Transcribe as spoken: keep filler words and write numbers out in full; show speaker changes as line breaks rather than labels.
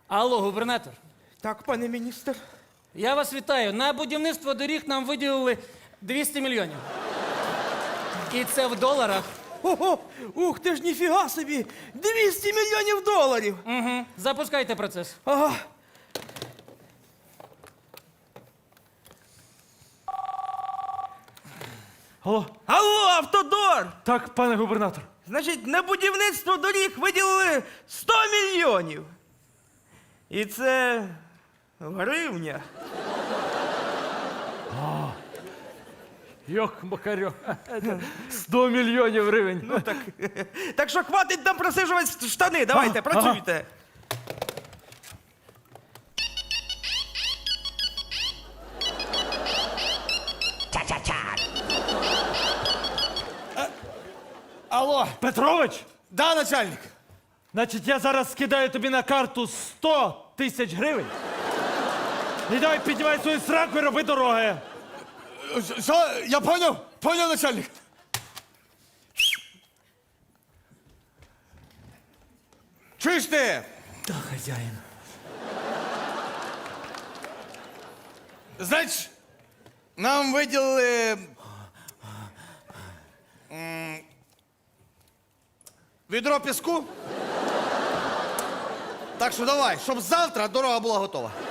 Алло, губернатор.
Так, пане міністр.
Я вас вітаю. На будівництво доріг нам виділили двісті мільйонів. І це в доларах.
Ого, ух ти ж ніфіга собі! двісті мільйонів доларів!
Угу. Запускайте процес.
Ага.
Алло,
Алло, Автодор!
так, пане губернатор.
Значить, на будівництво доріг виділили сто мільйонів. І це в гривнях.
Йох, Макарьох. сто мільйонів гривень.
Ну так. Так що хватить нам просижувати штани. Давайте,
Ага,
працюйте.
Алло,
Петрович,
да, начальник?
значить, я зараз скидаю тобі на карту сто тисяч гривень. І давай піднімай свою сраку і роби дороги.
Що? Я понял? Понял, начальник. Чуєш ти?
Так, хазяїн.
Значить, нам виділили м, відро піску. Так що давай, щоб завтра дорога була готова.